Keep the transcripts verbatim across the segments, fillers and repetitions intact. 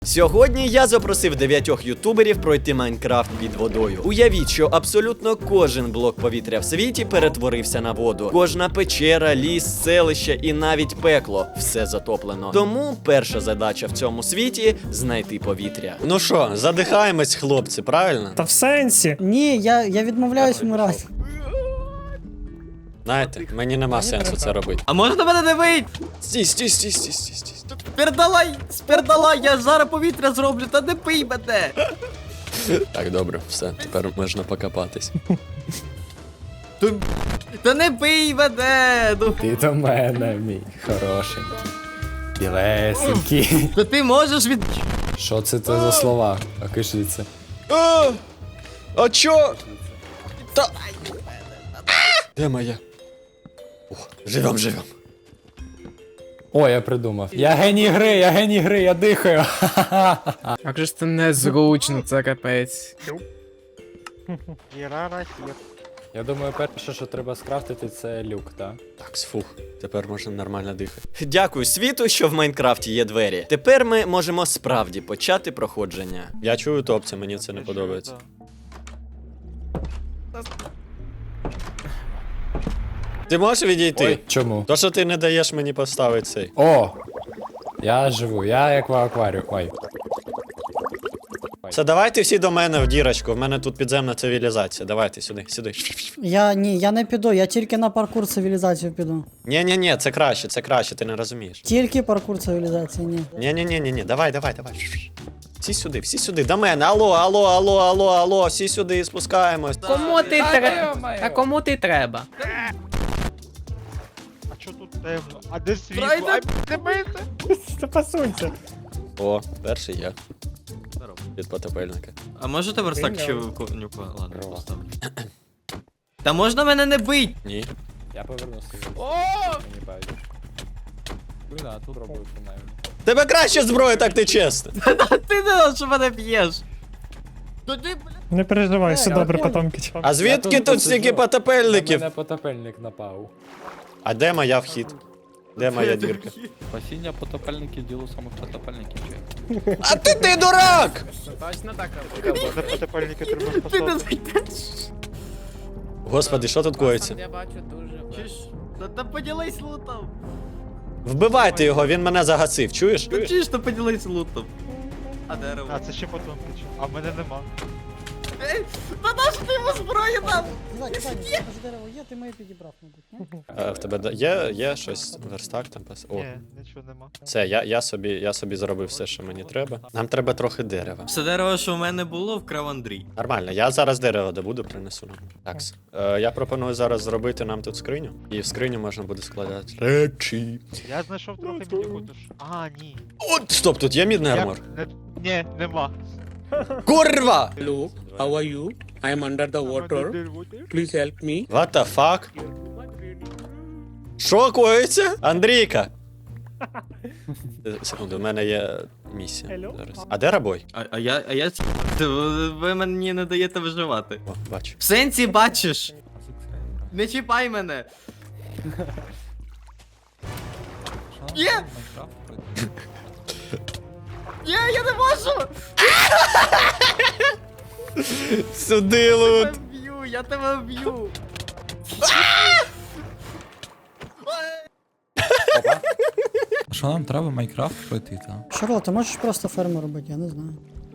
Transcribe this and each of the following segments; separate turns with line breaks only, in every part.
Сьогодні я запросив дев'ятьох ютуберів пройти Майнкрафт під водою. Уявіть, що абсолютно кожен блок повітря в світі перетворився на воду. Кожна печера, ліс, селище і навіть пекло – все затоплено. Тому перша задача в цьому світі – знайти повітря. Ну що, задихаємось, хлопці, правильно?
Та в сенсі.
Ні, я, я відмовляюсь вмирати.
Знаєте, мені нема сенсу це робити.
А можна мене не вийти?
Стій, стій, стій, стій, стій, стій.
Спердалай, спердалай, я ж зараз повітря зроблю, та не пий мене.
Так, добре, все, тепер можна покопатись.
Та, та не пий мене. Ну,
Ти до мене, мій хорошенький. Білесенький.
та ти можеш від...
Що це це за слова? Окажіться.
А, а чо? Та... Де моя? О, живем, живем.
О, я придумав. Я геній гри, я геній гри, я дихаю.
Як же ж це незручно, це капець.
Я думаю, перше, що треба скрафтити, це люк, так?
Так, фух, тепер можна нормально дихати. Дякую світу, що в Майнкрафті є двері. Тепер ми можемо справді почати проходження. Я чую топці, мені це не подобається. Ти можеш відійти?
Ой, чому?
То, що ти не даєш мені поставити цей.
О! Я живу, я як в акваріумі. Ой.
Все, давайте всі до мене в дірочку, в мене тут підземна цивілізація. Давайте сюди, сюди.
Я ні, я не піду, я тільки на паркур цивілізацію піду.
Ні-ні-ні, це краще, це краще, ти не розумієш.
Тільки паркур цивілізації, ні.
Ні-ні-ні-ні, давай, давай, давай. Всі сюди, всі сюди, до мене. Алло, алло, алло, алло, алло, всі сюди, спускаємось.
Кому ти треба? А кому ти треба?
А чо тут темно? А де світло?
Пройди.
Ай, не бийте!
Та посунься.
О, перший я. Від потопельника.
А можете верстак ще в конюка? Ладно, поставлю. Та можна мене не бить?
Ні.
Я повернуся. О! Мені байдуже. Блін, а тут робив принаймні.
Тебе краще зброя, так ти чесно.
Та ти не що мене б'єш. Тоді, бля.
Не переживай, все
я
добре,
понял.
потомки.
А звідки
тут
тут стільки
посиджу. На
потопельників?
мене потопельник напав.
А де моя вхід? Де моя дірка?
Спасіння потопельників діло самих потопельників чи?
А ти ти дурак!
Точно так.
За потепельники треба
Ти не
спасати.
зайдеш.
Господи, що тут коїться?
Я бачу дуже.
Чуєш? Та, та поділись лутом.
Вбивайте його, він мене загасив, чуєш?
Та чуєш, та поділись лутом. А дерево?
А, це ще потім кричу. А в мене нема.
Ей, та наш ти йому зброю дав?
Кидай, кидай, кидай, дерево є, ти моє підібрав, мабуть, ні?
А, в тебе да- є, є щось, верстак там пас. О,
Ні, нічого нема.
все, я, я, собі, я собі зробив все, що мені треба. Нам треба трохи дерева.
Все дерево, що в мене було, вкрав Андрій.
Нормально, я зараз дерево добуду, принесу нам. Так, е, я пропоную зараз зробити нам тут скриню. І в скриню можна буде складати речі.
Я знайшов трохи мінікутиш. А, ні.
От, стоп, тут є мідний
Я...
армор.
Не... Ні, нема.
Курва!
Hello, how are you? I am under the water. Please help me.
What the fuck? Що коїться? Андрійка! Е, Секунду, у мене є місія. Зараз. А де рабой?
А, а я, а я... Ви мені не даєте виживати.
О, бачу.
В сенсі бачиш? Не чіпай мене. Є! Є, я не можу!
Сюди
Я
лут!
тебе вб'ю, я тебе вб'ю.
Що нам треба Майнкрафт пройти, так?
Шарло, ти можеш просто ферму робити, я не знаю.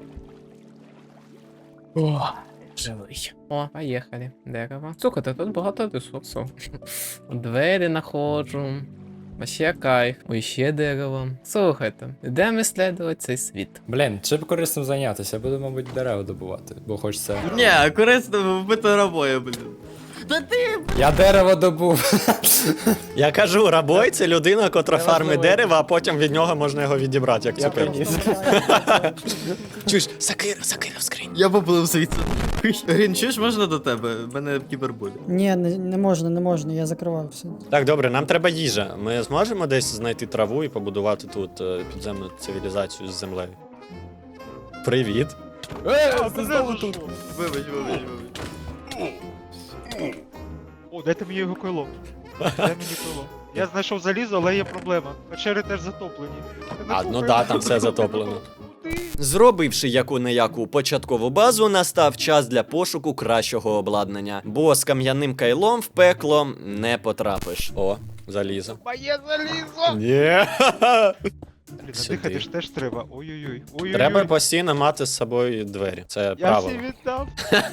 О, живий. О, поїхали. Дерево. Слухайте, тут багато ресурсів. Двері знаходжу. Вообще кайф. Ой, ще дерево. Слухайте, йдемо ісследувати цей світ.
Блін, чим корисним зайнятися? Я буду, мабуть, дерева добувати, бо хочеться.
Ні, корисно вбити рабою, блін. Та ти,
Я дерево добув.
Я кажу, рабой це людина, котра
Це
фармить
важливо.
дерево, а потім від нього можна його відібрати, як
Я
цукер.
приніс.
Чуєш, сакира, сакира в скрині.
Я поплив звідси. Грін, чуєш, можна до тебе? У мене кібербуль.
Ні, не, не можна, не можна, я закривав все.
Так, добре, нам треба їжа. Ми зможемо десь знайти траву і побудувати тут е, підземну цивілізацію з землею. Привіт.
Е, ти знову тут.
Вибач, вибач, вибач.
О, дайте мені його койло. Дай мені койло. Я знайшов залізо, але є проблема. Печери теж затоплені.
А, ну да, там все затоплено.
куди?
Зробивши яку-не-яку початкову базу, настав час для пошуку кращого обладнання, бо з кам'яним кайлом в пекло не потрапиш. О, залізо.
Моє залізо!
Є.
Блін,
Сюди.
надихати ж теж треба. Ой-ой-ой. Ой-ой-ой.
Треба постійно мати з собою двері. Це
Я
правило.
всі віддав.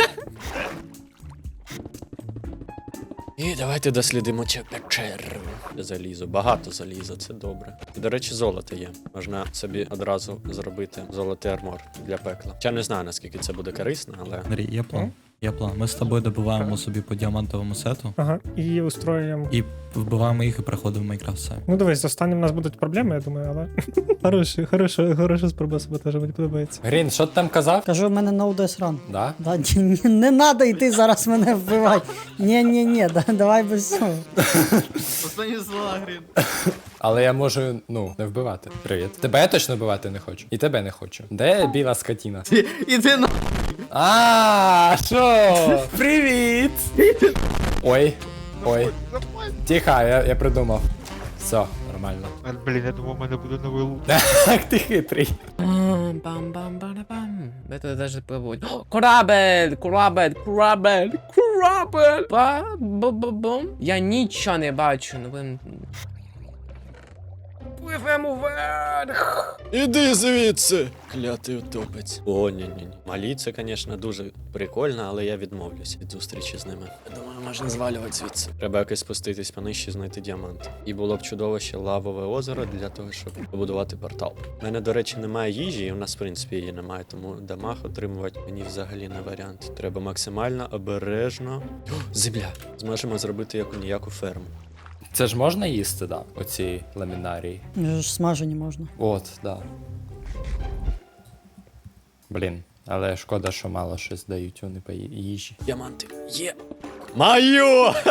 І давайте дослідимо цю печеру. Залізо, багато заліза, це добре. І, до речі, золото є. Можна собі одразу зробити золотий армор для пекла. Я не знаю, наскільки це буде корисно, але.
Андрій, є план. Є план. Ми з тобою добиваємо собі по діамантовому сету
Ага, і устроюємо.
і вбиваємо їх і приходимо в Майнкрафт самі.
Ну дивись, з останнім у нас будуть проблеми, я думаю, але. Хороша, хороша, хороша спроба саботажа, мені подобається.
Грін, що ти там казав?
Кажу, в мене no dice run.
Да?
Да, ні, ні, не надо йти зараз мене вбивати. Ні, ні, ні, да, давай без цього.
Останні слова, Грін.
Але я можу, ну, не вбивати. Привіт. Тебе я точно вбивати не хочу. І тебе не хочу. Де біла скотіна?
Іди на...
А, що? Привіт! Ой, ой. Тихо, я, я придумав. Все, нормально.
А, Блін, я думав, у мене буде новий лук.
Так ти хитрий.
Бам-бам-бам-бам. Де тут даже пливуть? О, Корабель! Корабель! Корабель! Корабель! Ба-бу-бу-бум. Я нічого не бачу. Ну ви... Пливемо вверх!
Іди звідси! Клятий утопець. О, ні-ні-ні. Малі, це, звісно, дуже прикольно, але я відмовлюсь від зустрічі з ними. Я думаю, можна звалювати звідси. Треба якось спуститись понижче і знайти діамант. І було б чудово ще лавове озеро для того, щоб побудувати портал. У мене, до речі, немає їжі, і у нас, в принципі, її немає, тому дамаг отримувати мені взагалі не варіант. Треба максимально обережно. О, земля! Зможемо зробити яку-ніяку ферму.
Це ж можна їсти, да? Оці ламінарії.
Вже ж смажені можна.
От, да. Блін, але шкода, що мало щось дають вони по ї- їжі.
Діаманти. Є! Маю!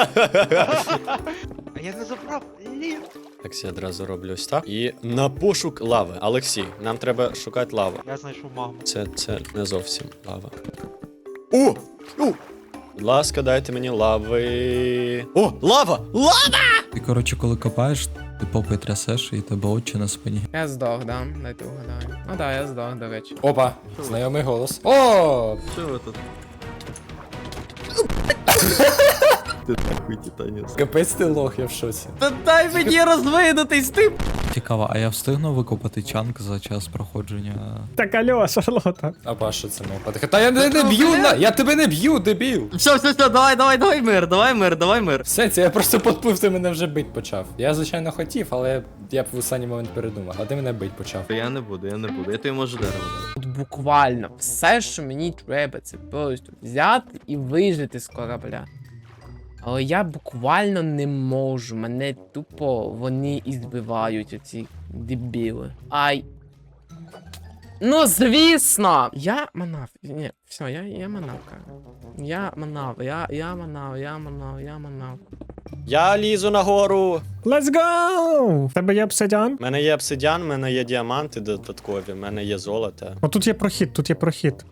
А я не забрав. Блін.
Так, я одразу роблю ось так. І на пошук лави. Олексій, нам треба шукати лаву.
Я знайшов магму.
Це, це не зовсім лава. О! О! Будь ласка, дайте мені лави. О, лава! Лава!
Ти, коротше, коли копаєш, ти попи трясеш і тебе очі на спині.
Я здох, да? Дайте угадаю. Ну да, я здох, до речі.
Опа, знайомий голос. О!
Що ви тут?
Капець ти лох, я в шоці.
Та дай мені розвинутись, ти!
Цікаво, а я встигну викопати чанк за час проходження.
Так, алло, Шарлота.
А па, що це мов? Та я не, не б'ю, на... я тебе не б'ю, дебіл!
Все, все, все, давай, давай, давай мир, давай мир, давай мир.
Все, це я просто подплив, ти мене вже бить почав. Я, звичайно, хотів, але я б в останній момент передумав, а ти мене бить почав.
Я не буду, я не буду, я тобі можу дерево дати.
От буквально все, що мені треба, це просто взяти і вижити з корабля. Але я буквально не можу, мене тупо вони і збивають, оці дебіли. Ай. Ну, звісно! Я манав. Ні, все, я, я манав, каже. Я манав, я, я манав, я манав, я манав.
Я лізу нагору.
Let's go! В тебе є обсидіан?
У мене є обсидіан, у мене є діаманти додаткові, у мене є золото.
О, тут є прохід, тут є прохід.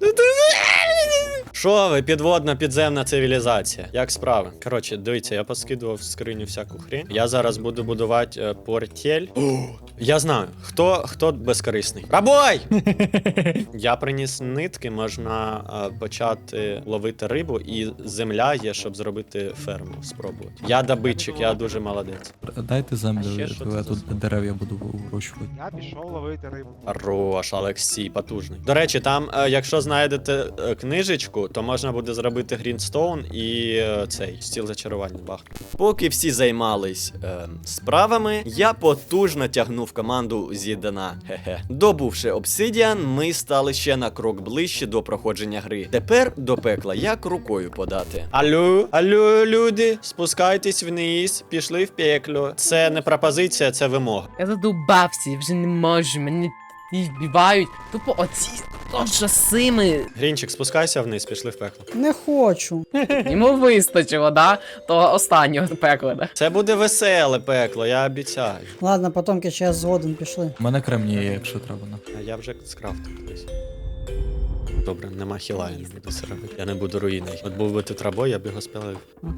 Що ви, підводна підземна цивілізація? Як справи? Коротше, дивіться, я поскидував в скриню всяку хрень. Я зараз буду будувати е, портель. О, я знаю, хто, хто безкорисний. Рабой! Я приніс нитки, можна е, почати ловити рибу, і земля є, щоб зробити ферму, спробувати. Я добитчик, я дуже молодець.
Дайте землю,
А ще що
я
це
тут
за-
дерев'я буду вирощувати.
Я пішов ловити рибу.
Хорош, Олексій, потужний. До речі, там, е, якщо знайдете е, книжечку, то можна буде зробити Грінстоун і е, цей стіл зачарування бах. Поки всі займались е, справами, я потужно тягнув команду зі дна. Хе-хе. Добувши обсидіан, ми стали ще на крок ближче до проходження гри. Тепер до пекла як рукою подати. Алло, алло, люди, спускайтесь вниз, пішли в пекло. Це не пропозиція, це вимога.
Я задовбався, я вже не можу, мене і вбивають. Тупо оці ужасими.
Грінчик, спускайся вниз, пішли в пекло.
Не хочу.
Йому вистачило, да? Того останнього пекла, да?
Це буде веселе пекло, я обіцяю.
Ладно, потомки ще я згоден пішли.
У мене кремній є, якщо треба. На.
А я вже скрафтив колись. Добре, нема хіла, я не буду це робити. Я не буду руїною. От був би тут рабой, я б його спалив.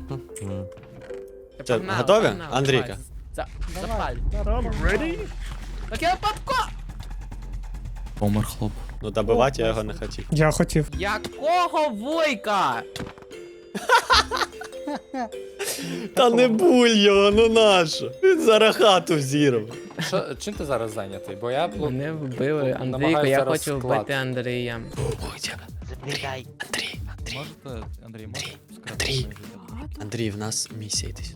Це,
Погнали,
готові?
погнали,
Андрійка?
давай. За,
Давай.
запаль.
Ready?
Так я попко!
Помер хлоп.
Ну добивати я його не хотів.
Я хотів.
Якого войка?
Та не буль його, ну нащо? Він зараз хату взірвав.
Що, чим ти зараз зайнятий? Бо я плу-
Мене вбили. Андрійко,
намагаюся
я
зараз
хочу
склад.
вбити Андрія.
Забігай.
Андрій, Андрій,
Можете, Андрій, можете скрафтити
Андрій.
моє життя?
Андрій, в нас місія десь.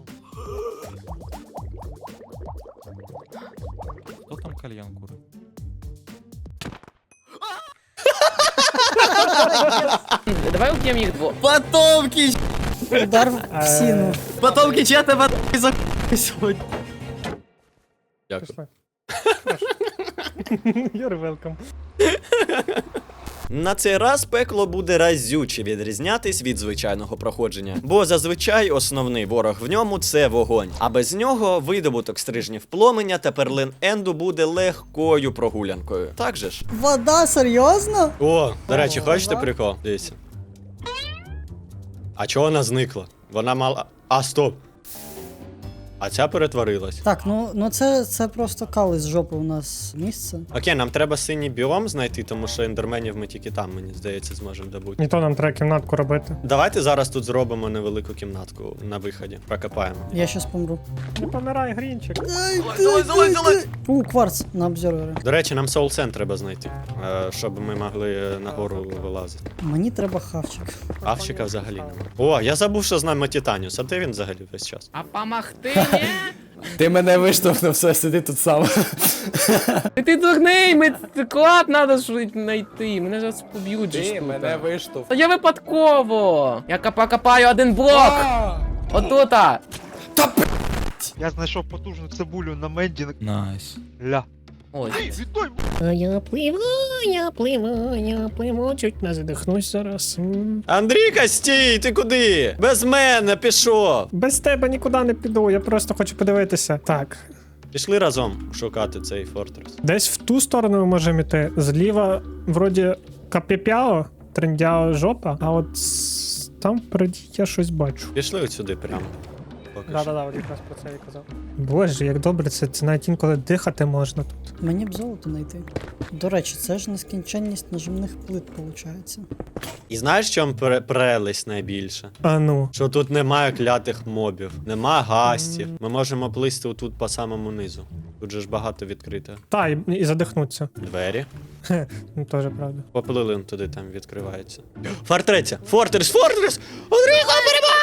Хто там кальян курить?
Давай уб'ємо їх двох.
Потомки!
Удар в псину.
Потомки, чи я тебе за сьогодні?
Дякую.
Пішли. You're welcome.
На цей раз пекло буде разюче відрізнятись від звичайного проходження, бо зазвичай основний ворог в ньому це вогонь. А без нього видобуток стрижнів пломеня та перлин Енду буде легкою прогулянкою. Так же ж?
Вода, серйозно?
О, до речі,
О,
хочете
да?
прикол? Дивіться. А чого вона зникла? Вона мала. А, стоп! А ця перетворилась.
Так, ну, ну це, це просто кали з жопи у нас місце.
Окей, нам треба синій біом знайти, тому що ендерменів ми тільки там, мені здається, зможемо добути.
І то нам треба кімнатку робити.
Давайте зараз тут зробимо невелику кімнатку на виході. Прокопаємо.
Я щас помру.
Не помирай, Грінчик.
Залазь, залазь, залазь!
У, кварц на обзорвері.
До речі, нам Soul Sand треба знайти, е, щоб ми могли е, нагору вилазити.
Мені треба хавчик.
Авчика взагалі немає. О, я забув, що з нами Титаніус. А де він взагалі весь час?
А помогти мені?
Ти мене виштовхнув, все, сиди тут сам.
Ти дурний, ми клад треба знайти. Мене зараз поб'ють же ж
Ти
тут.
мене виштовхнув.
Та я випадково. Я копа- копаю один блок. Отута.
Я знайшов потужну цибулю на Менді.
Найс.
Ля.
Ой.
Віддай!
А я пливу, я пливу, я пливу, чуть не задихнусь зараз. М.
Андрійка, стій! Ти куди? Без мене пішов!
Без тебе нікуди не піду, я просто хочу подивитися. Так,
Пішли разом шукати цей фортрес.
десь в ту сторону ми можемо йти. Зліва, вроді, капіпяо, трендяо жопа, а от с- там впереді я щось бачу.
Пішли от сюди прямо. Поки що.
Да-да-да, от якраз про це і казав. Боже, як добре, це, це навіть інколи дихати можна тут.
Мені б золото знайти. До речі, це ж нескінченність нажимних плит, виходить.
І знаєш, в чому пре- прелесть найбільше?
А ну.
Що тут немає клятих мобів, нема гастів. Ми можемо плисти отут по самому низу. Тут же ж багато відкрите.
Та, і, і задихнуться.
Двері.
Ну, теж правда.
Поплили он туди, там відкривається. Фортеця! Фортрес! Фортрес! Андрійко, перемога!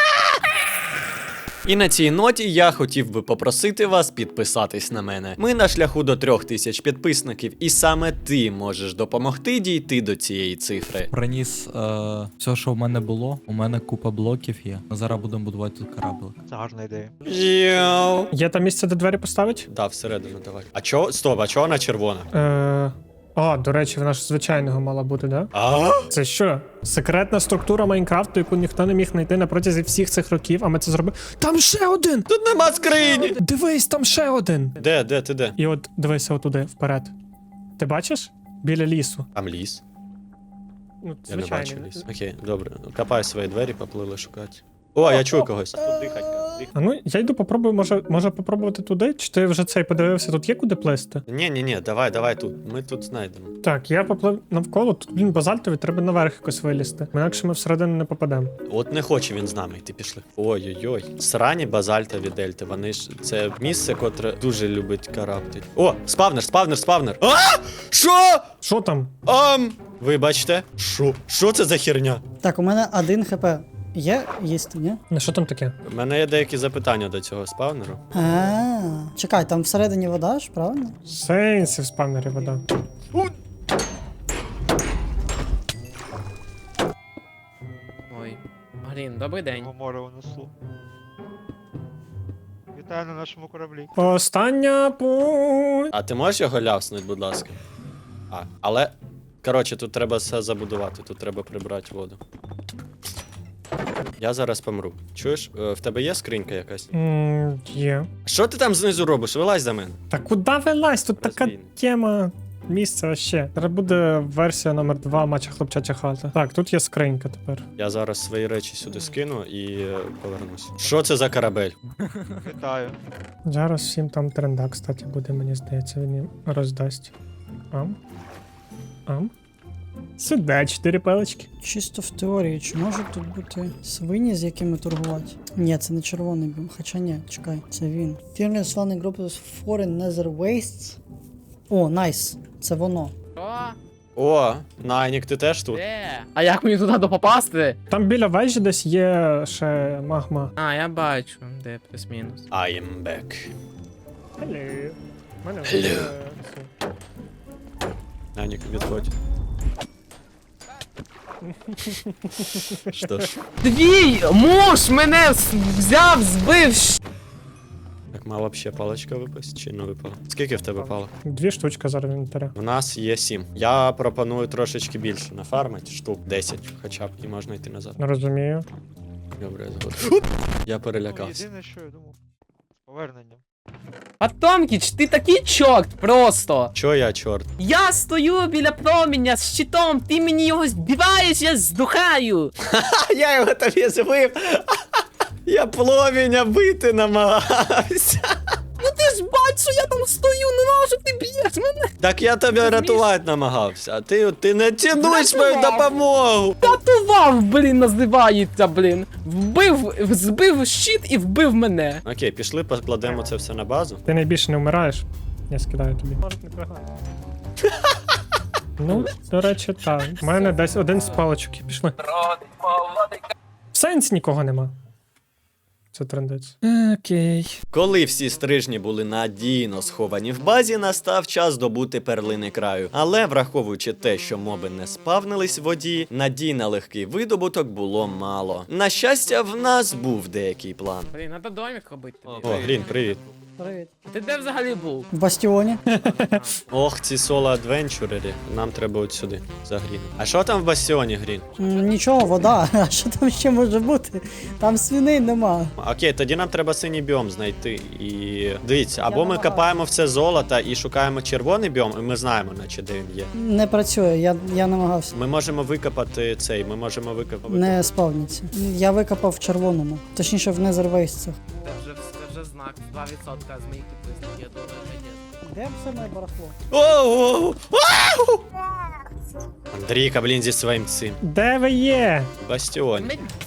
І на цій ноті я хотів би попросити вас підписатись на мене. Ми на шляху до трьох тисяч підписників, і саме ти можеш допомогти дійти до цієї цифри.
Приніс е, все, що в мене було. У мене купа блоків є. Зараз будемо будувати тут кораблик.
Це гарна ідея.
Йоу.
Є там місце, де двері поставить?
Да, всередину давай. А чого? Стоп, а чого вона червона?
Е... А, до речі, вона ж звичайного мала бути, да?
А?
Це що? Секретна структура Майнкрафту, яку ніхто не міг знайти на протязі всіх цих років, а ми це зробили. Там ще один!
Тут нема скрині!
Дивись, там ще один!
Де, де, ти де?
І от дивися отуди, вперед. Ти бачиш? Біля лісу.
Там ліс.
Ну,
Я не бачу ліс. Окей, добре. Копай свої двері, поплили шукати. О, я чую когось. Тут дихать, дихать.
А ну, я йду попробую, може, може попробувати туди? Чи ти вже цей подивився, тут є куди плисти?
Ні, ні, ні, давай, давай тут. Ми тут знайдемо.
Так, я поплив навколо, тут, блін, базальтові, треба наверх якось вилізти. Інакше ми всередину не попадемо.
От не хоче він з нами йти, пішли. Ой-ой-ой. Срані базальтові дельти. Вони ж це місце, котре дуже любить караптить. О, спавнер, спавнер, спавнер. А! Що?
Що там?
Ам! Вибачте. Що? Що це за херня?
Так, у мене один хп. Є їсти, ні?
Ну, що там таке?
У мене є деякі запитання до цього спавнеру.
А, чекай, там всередині вода ж, правильно?
Сенсі в спавнері вода.
Ой. Блін, добрий день.
Його море унесло. Вітаю на нашому кораблі.
Остання путь.
А ти можеш його ляснути, будь ласка? А, але. Коротше, тут треба все забудувати, тут треба прибрати воду. Я зараз помру. Чуєш, Е, в тебе є скринька якась?
М, Є.
Що ти там знизу робиш? Вилазь за мене.
Та куди вилазь? Тут така
Розвійно.
тема. Місце вообще. Зараз буде версія номер два матча хлопчача хата. Так, тут є скринька тепер.
Я зараз свої речі сюди скину і е, повернусь. Що це за корабель?
Вітаю.
Зараз всім там тренда, кстати, буде, мені здається, він їм роздасть. Ам. Ам. Сюди, чотири палички.
Чисто в теорії, чи можуть тут бути свині, з якими торгувати? Ні, це не червоний біом. Хоча ні, чекай, це він. Fearless Landing Group is Foreign Nether Wastes. О, найс. Це воно.
Що?
О, Найнік, ти теж тут?
Де? А як мені туди попасти?
Там біля вежі десь є ще магма.
А, я бачу, де плюс-мінус.
I am back.
Hello. Мене
Hello. Найнік, відходь. Що ж,
Твій муж мене с- взяв, збив. щ-
так мала б ще паличка випасть, чи не випала? Скільки в тебе палок?
Дві штучки зараз в інвентарі.
У нас є сім. Я пропоную трошечки більше нафармити, штук десять хоча б, і можна йти назад.
Не розумію.
Добре, згодом. Я
Ну,
перелякався.
єдине, що я думав. З поверненням.
Потомкіч, ти такий чорт просто.
Чо я, чорт?
Я стою біля проміння з щитом, ти мені його збиваєш, я здухаю.
А я його тобі збив! Я пломіння бити намагався.
Ну ти ж бачиш, що я там стою, не можу, ти б'єш мене.
Так я тебе рятувати намагався, а ти, ти не цінуєш мою
Рятував.
допомогу.
Рятував, блін, називається, блін. Вбив, збив щит і вбив мене.
Окей, пішли, покладемо це все на базу.
Ти найбільше не вмираєш. Я скидаю тобі. Ну, до речі, так. У мене десь один з паличок. і Пішли. В сенсі нікого нема. Це трендець. Окей.
Коли всі стрижні були надійно сховані в базі, настав час добути перлини краю. Але враховуючи те, що моби не спавнились в воді, надій на легкий видобуток було мало. На щастя, в нас був деякий план.
Блін, треба домик робити тобі.
О, Грін, привіт.
Привіт.
Ти де взагалі був?
В бастіоні.
Ох, ці соло-адвенчурери. Нам треба от сюди, за Гріном. А що там в бастіоні, Грін?
М, Нічого, вода. А що там ще може бути? Там свиней нема.
Окей, тоді нам треба синій біом знайти. І дивіться, або ми
намагаюся.
копаємо все золото і шукаємо червоний біом, і ми знаємо, наче де він є.
Не працює, я, я намагався.
Ми можемо викопати цей, ми можемо викопати.
Не спавніться. Я викопав в червоному. Точніше, в незервейсцях.
Це вже, це вже знак, два відсотка з моїх підписників, я думаю, не
Де все моє барахло?
Оу! Ау! Андрійка, блін, зі своїм цим.
Де ви є?
Бастіон.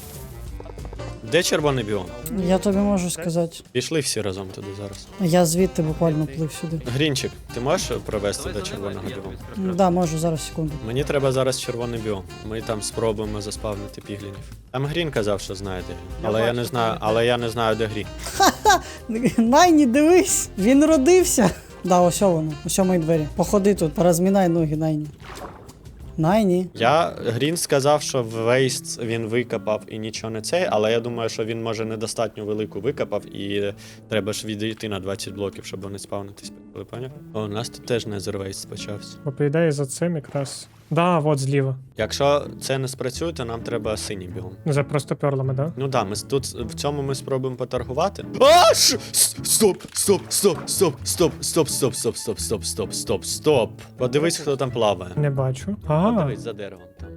Де червоний біом?
Я тобі можу сказати.
Пішли всі разом туди зараз.
Я звідти буквально плив сюди.
Грінчик, ти можеш провести до червоного біому?
М, Да, можу, зараз секунду.
Мені треба зараз червоний біом. Ми там спробуємо заспавнити піглінів. Там Грін казав, що знає де він. Але я не знаю, але я не знаю, де Грін.
Найні, дивись! Він родився! Да, ось воно, ось мої двері. Походи тут, порозмінай ноги, Найні. Найні.
Я Грін сказав, що вейст він викопав і нічого не цей, але я думаю, що він може недостатньо велику викопав і треба ж відійти на двадцять блоків, щоб вони спавнитись. Ви поняв? О, у нас тут теж незервейст почався.
Бо по ідеї за цим якраз. Да, от зліва.
Якщо це не спрацює, то нам треба синій біом.
За просто перлами, да?
Ну да, ми с- тут в цьому ми спробуємо поторгувати. А, ш- с- Стоп, стоп, стоп, стоп, стоп, стоп, стоп, стоп, стоп, стоп, стоп, стоп, стоп. Подивись, хто там плаває.
Не бачу. Ага.
Подивись за деревом там.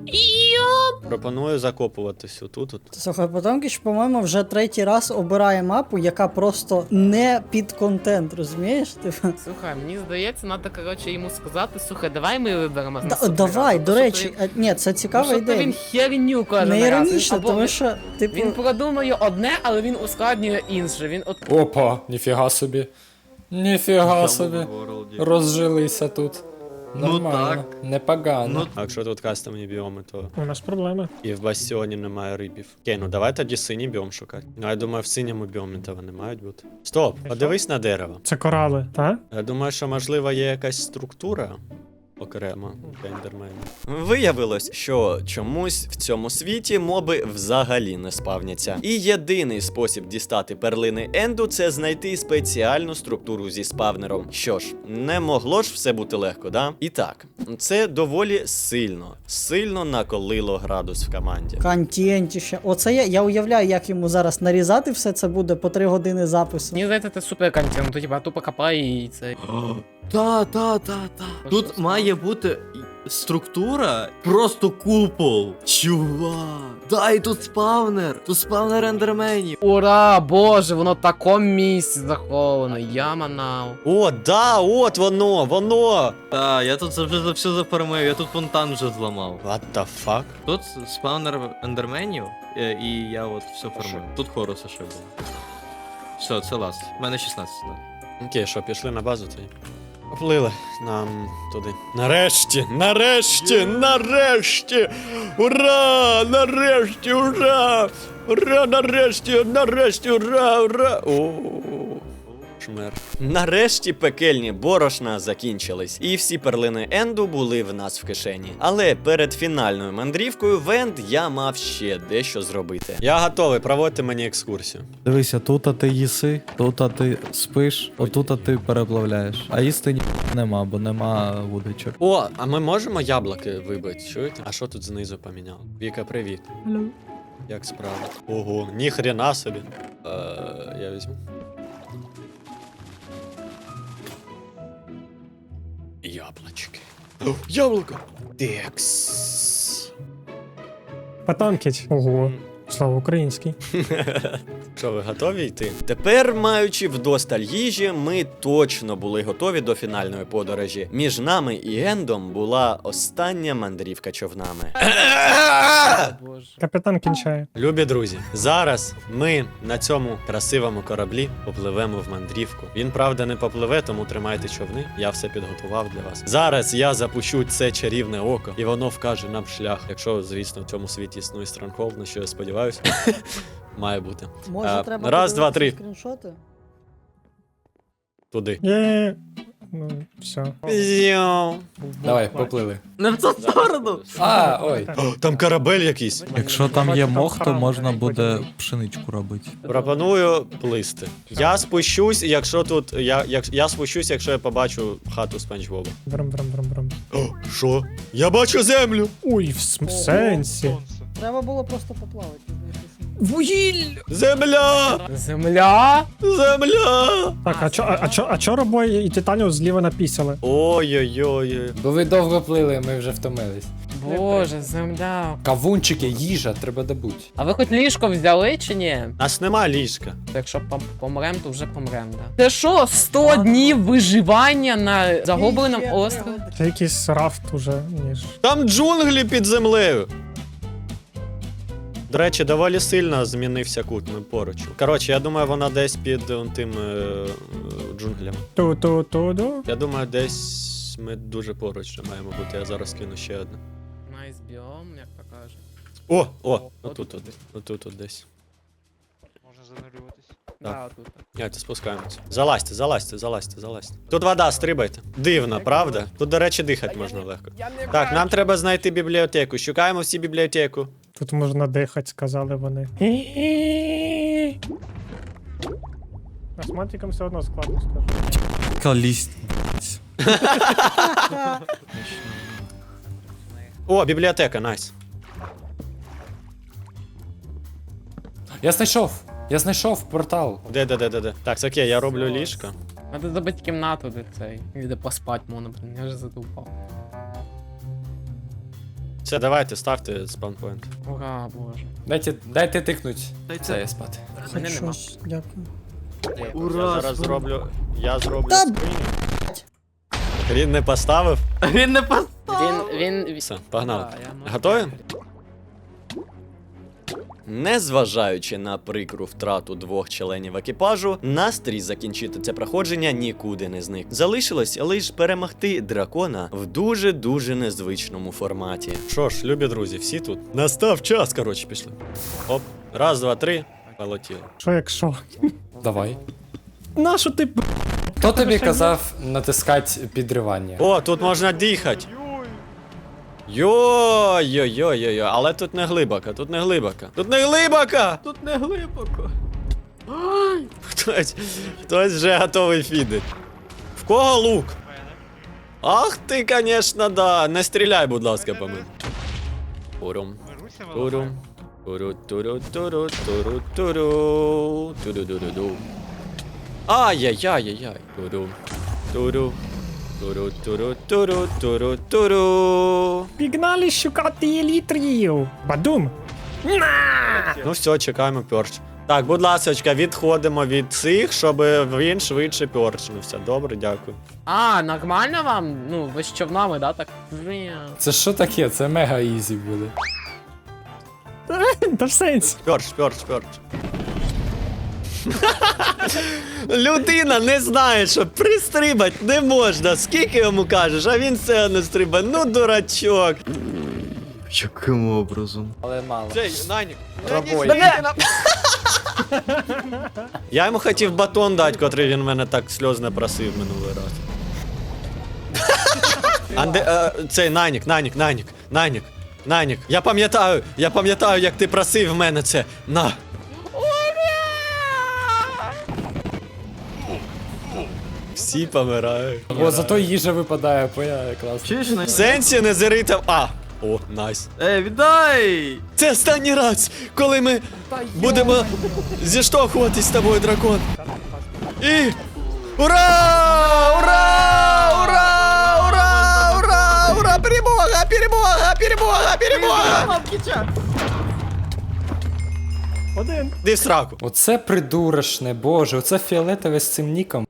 Пропоную закопуватись отут. от.
Слухай, Потомкіч, по-моєму, вже третій раз обирає мапу, яка просто не під контент, розумієш? Типу.
Слухай, мені здається, треба, коротше, йому сказати, слухай, давай ми виберемо.
Да,
наступний
давай,
раз.
до
Тому
речі,
що
а, ні, це
він-
цікава
тому що
ідея.
він херню кожен
Не
раз.
іронічно,
Або
тому
він-
що, типу,
Він продумує одне, але він ускладнює інше. Він от
Опа, ніфіга собі. Ніфіга собі. Розжилися тут. Нормально. Непогано.
А якщо тут кастомні біоми, то
У нас проблеми.
і в бастіоні немає рибів. Окей, ну давай тоді синій біом шукати. Ну я думаю, в синьому біомі то вони мають бути. Стоп, подивись на дерево.
Це корали, так?
Я думаю, що можливо є якась структура окремо ендермена. Виявилось, що чомусь в цьому світі моби взагалі не спавняться. І єдиний спосіб дістати перлини Енду це знайти спеціальну структуру зі спавнером. Що ж, не могло ж все бути легко, да? І так, це доволі сильно, сильно наколило градус в команді.
контентіще. Оце я, я уявляю, як йому зараз нарізати все це буде по три години запису.
мені здається, це супер контент. Ну, типа, тупо копай і це.
Та, та, та, та. Тут має бути структура просто купол. Чувак. Да, і тут спавнер. Тут спавнер ендерменів.
Ура, боже, воно в такому місці заховано. Я манав.
О, да, от воно, воно!
Та, я тут вже за все зафармив, я тут фонтан вже зламав.
What the fuck?
Тут спавнер ендерменів, е, і я от все фармив. Тут хоруса ще було. Все, це ласт. У мене шістнадцять. Да.
Окей, що, пішли на базу цей? Поплили нам туди. Нарешті, нарешті, нарешті! Ура! Нарешті, ура! Ура, нарешті, нарешті, ура, ура! О, шмер. Нарешті пекельні борошна закінчились, і всі перлини Енду були в нас в кишені. Але перед фінальною мандрівкою в Енд я мав ще дещо зробити. Я готовий, проводити мені екскурсію.
Дивися, тут а ти їси, тут а ти спиш, отут а ти переплавляєш. А їсти ні нема, бо нема вудочок.
О, а ми можемо яблуки вибити, чуєте? А що тут знизу поміняло? Віка, привіт.
Hello.
Як справа? Ого, ніхрена собі. Е, я візьму. Яблочки. О, яблуко! Текс.
Потанкіть. Ого. Слава український.
Що, ви готові йти? Тепер, маючи вдосталь їжі, ми точно були готові до фінальної подорожі. Між нами і Ендом була остання мандрівка човнами.
Боже.
Капітан кінчає.
Любі друзі, зараз ми на цьому красивому кораблі попливемо в мандрівку. Він, правда, не попливе, тому тримайте човни. Я все підготував для вас. Зараз я запущу це чарівне око, і воно вкаже нам шлях. Якщо, звісно, в цьому світі існує Stronghold, на що я сподіваюся. Має бути.
Може,
А,
треба
раз, два, три.
подивитися скріншоти?
Туди.
Є. Ну, все.
Зйо.
Давай, поплили.
Не в ту сторону!
А, ой.
О, там корабель якийсь.
Якщо там є
Бачу, там
мох, то
храм,
можна
потім
буде
буде.
пшеничку робити.
Пропоную плисти. Я спущусь, якщо тут. Я, як, я спущусь, якщо я побачу хату Спанч Боба.
Брам, брам, брам, брам.
О, що? Я бачу землю!
Ой, в см- сенсі.
Сонце.
Треба було просто поплавати.
Вугіль!
Земля!
Земля?
Земля!
Так, а чо, а, а чо, а чо Робой і Титаніус зліва напісяли?
Ой-ой-ой.
Бо ви довго плили, ми вже втомились.
Боже, земля.
Кавунчики, їжа, треба добути.
А ви хоч ліжко взяли чи ні?
Нас нема ліжка.
Якщо пом- помрем, то вже помрем, да. Це що, сто днів виживання на загубленому
Ще
острові?
пригоди.
Це якийсь рафт уже, ніж.
Там джунглі під землею. До речі, доволі сильно змінився кут, ми поруч. Коротше, я думаю, вона десь під он, тим е, е, джунглями.
Ту-ту-ту-ду.
Я думаю, десь ми дуже поруч вже маємо бути. Я зараз кину ще одне.
Найс біом, як то каже.
О, о, отут, от, отут, от десь.
Можна занурюватись.
Да, отут.
Давайте спускаємося. Залазьте, залазьте, залазьте, залазьте. Тут вода, стрибайте. Дивно, правда? Тут, до речі, дихати можна легко. Так, нам треба знайти бібліотеку. Шукаємо всі бібліотеку.
Тут можна дихати, сказали вони. Астматикам все одно складно скажу.
Калість.
О, бібліотека, найс.
Я знайшов! Я знайшов портал.
Де, де, де, де, де. Так, окей, я роблю ліжко.
Надо забити кімнату, де цей. І де поспати можна, блін, я вже задовбав.
Все, давайте, ставте спаунпоінт.
Ура, боже.
Дайте, дайте тикнуть.
Дайте.
Це я спати.
Мене
Хоч
нема.
щось, дякую.
Ура!
Я зараз зроблю. Я зроблю
Та,
скриню. Він не поставив.
Він не пос...
Він, він...
Все, погнали.
Да, я можу-
Готові? Незважаючи на прикру втрату двох членів екіпажу, настрій закінчити це проходження нікуди не зник. Залишилось лише перемогти дракона в дуже-дуже незвичному форматі. Що ж, любі друзі, всі тут. Настав час, коротше, пішли. Оп, раз, два, три, полетіли.
Що якщо?
Давай.
Нащо ти б...
Хто тобі казав натискати підривання?
О, тут можна дихати. Йой-йой-йой-йой, але тут не глибоко, тут не глибоко. Тут не глибоко!
Тут не глибоко.
Хтось, хтось вже готовий фідить. В кого лук? Ах ти, конечно, да. Не стріляй, будь ласка, по мені. Урум.
Мируся
Турум. Туру, туру, туру, туру, туру. Туру, туру, ду. Ай-яй-яй-яй-яй. Туру. Туру. Туру, туру, туру, туру, туру.
Пігнали шукати елітрів. Бадум.
Ну все, чекаємо перч. Так, будь ласочка, відходимо від цих, щоб він швидше перчнувся. Добре, дякую.
А, нормально вам? Ну, ви з човнами, да, так? Бля.
Це що таке? Це мега ізі буде.
Та в сенсі.
Перч, перч, перч. Людина не знає, що пристрибать не можна. Скільки йому кажеш, а він все одно стрибає. Ну, дурачок.
Яким образом?
Але мало.
Цей, Нанік.
Рабой.
Я йому хотів батон дати, котрий він мене так сльозно просив минулий раз. Анде, е, цей Нанік, Нанік, Нанік, Нанік, Нанік. Я пам'ятаю, я пам'ятаю, як ти просив в мене це. На. Всі помирають.
О, зато їжа випадає, поя, класно.
Чуєш, на...
В сенсі не зиритав. А! О, найс.
Ей, віддай!
Це останній раз, коли ми будемо зіштовхуватись з тобою, дракон. І. Ура! Ура! Ура! Ура! Ура! Ура! Перемога! Перемога! Перемога! Перемога!
Один.
Ди в сраку.
Оце придурочне, боже, оце фіолетове з цим ніком.